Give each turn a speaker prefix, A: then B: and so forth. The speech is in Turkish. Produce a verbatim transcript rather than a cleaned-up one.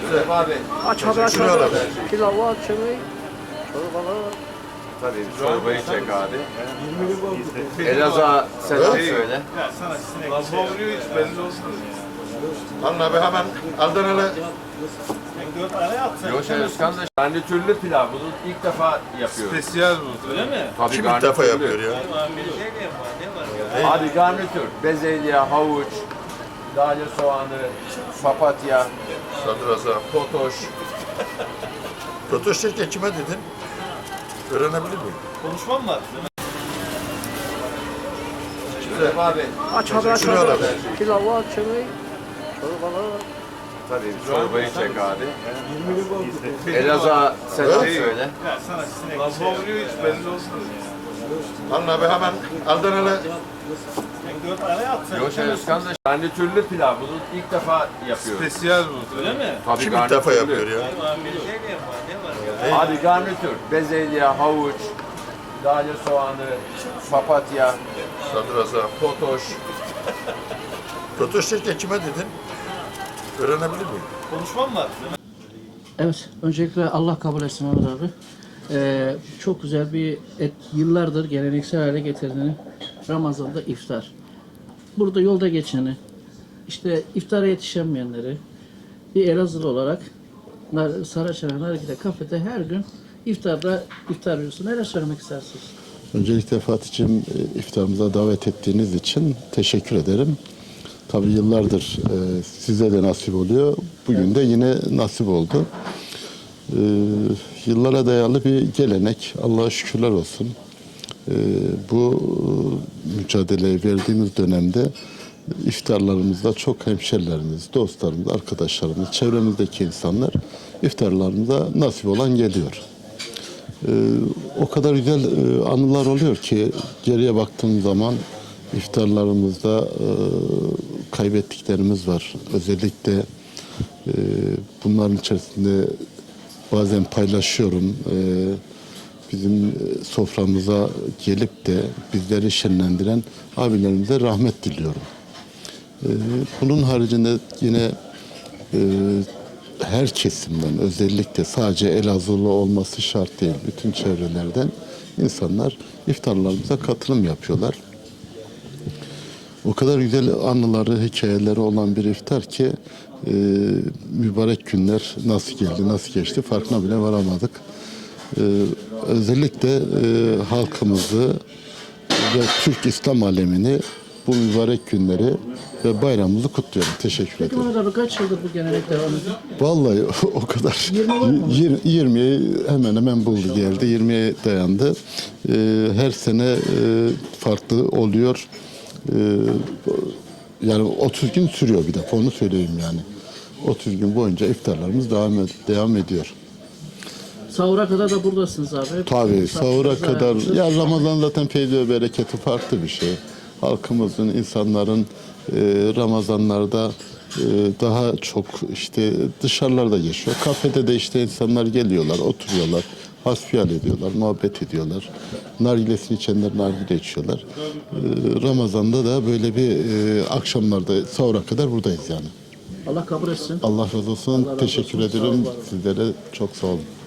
A: Şuraya abi.
B: Aç abi aç
A: Şuraya
B: abi.
A: da.
B: Pilavı aç çayı. Çorbalı.
A: Tabii çorbayı çek abi. Elazığ'a selam söyle.
C: Vuruyor hiç belli olsun.
A: Alın abi hemen Adanalı.
C: Dört tane yapsın.
A: Yoşen Özkan da garnitürlü pilav. Bunu ilk defa yapıyoruz.
C: Spesiyel bu. Öyle mi?
A: Tabii
D: Kim ilk defa yapıyor ya?
A: Abi garnitür, bezelye, havuç, dale soğanı, papatya,
D: Sadrazam.
A: totoş.
D: Totoş derken kime dedin? Öğrenebilir miyim?
C: Konuşmam var.
A: Şuraya abi.
B: Aç abi aç
D: Şuraya da.
B: abi. Pilavı aç çayı. Çorbalı.
A: Tabii çorbayı çek abi. Elazığ'a selam söyle.
C: Vuruyor hiç belli olsun.
D: Alın abi hemen Adanalı.
C: Dört tane yapsın.
A: Yoşen Özkan da garnitürlü pilav. Bunu ilk defa yapıyoruz.
C: Spesiyel bu. Öyle mi?
A: Tabii
D: Kim ilk defa yapıyor ya?
A: Abi garnitür, bezelye, havuç, dale soğanı, papatya,
D: Sadrazam.
A: totoş.
D: Totoş derken kime dedin? Öğrenebilir miyim?
C: Konuşmam var.
B: Evet, öncelikle Allah kabul etsin Mehmet abi. Ee, çok güzel bir et, yıllardır geleneksel hale getirdiğini Ramazan'da iftar. Burada yolda geçeni, işte iftara yetişemeyenleri bir Elazığlı olarak Nar- Saraçhane Nargile Kafede her gün iftarda iftar veriyorsun. Neler söylemek istersiniz?
E: Öncelikle Fatih'cim e, iftarımıza davet ettiğiniz için teşekkür ederim. Tabii yıllardır e, size de nasip oluyor. Bugün de yine nasip oldu. E, yıllara dayalı bir gelenek. Allah'a şükürler olsun. E, bu e, mücadeleyi verdiğimiz dönemde iftarlarımızda çok hemşerilerimiz, dostlarımız, arkadaşlarımız, çevremizdeki insanlar iftarlarımıza nasip olan geliyor. Ee, o kadar güzel e, anılar oluyor ki geriye baktığım zaman iftarlarımızda e, kaybettiklerimiz var. Özellikle e, bunların içerisinde bazen paylaşıyorum. E, bizim e, soframıza gelip de bizleri şenlendiren abilerimize rahmet diliyorum. E, bunun haricinde yine e, her kesimden, özellikle sadece Elazığlı olması şart değil, bütün çevrelerden insanlar iftarlarımıza katılım yapıyorlar. O kadar güzel anıları, hikayeleri olan bir iftar ki e, mübarek günler nasıl geldi, nasıl geçti farkına bile varamadık. E, özellikle e, halkımızı ve Türk İslam alemini bu mübarek günleri ve bayramımızı kutluyorum. Teşekkür
B: Peki
E: ederim.
B: Mehmet abi kaç yıldır bu gelenek devam ediyor?
E: Vallahi o kadar.
B: yirmi var mı?
E: yirmiye hemen hemen buldu geldi. yirmiye dayandı. Ee, her sene e, farklı oluyor. Ee, yani otuz gün sürüyor bir de. Onu söyleyeyim yani. otuz gün boyunca iftarlarımız devam ed- devam ediyor.
B: Sahura kadar da buradasınız abi.
E: Tabii sahura
B: Misafirlerinizi
E: kadar.
B: ayarlıyorsunuz.
E: Ya Ramazan zaten feyzi ve bereketi farklı bir şey. Halkımızın, insanların e, Ramazanlarda e, daha çok işte dışarılarda geçiyor. Kafede de işte insanlar geliyorlar, oturuyorlar, hasbihal ediyorlar, muhabbet ediyorlar. Nargilesini içenler nargile içiyorlar. E, Ramazan'da da böyle bir e, akşamlarda sahura kadar buradayız yani.
B: Allah kabul etsin.
E: Allah razı olsun.
B: Allah razı
E: Teşekkür
B: olsun. Sağ olun,
E: ederim.
B: var olun.
E: Sizlere çok sağ olun.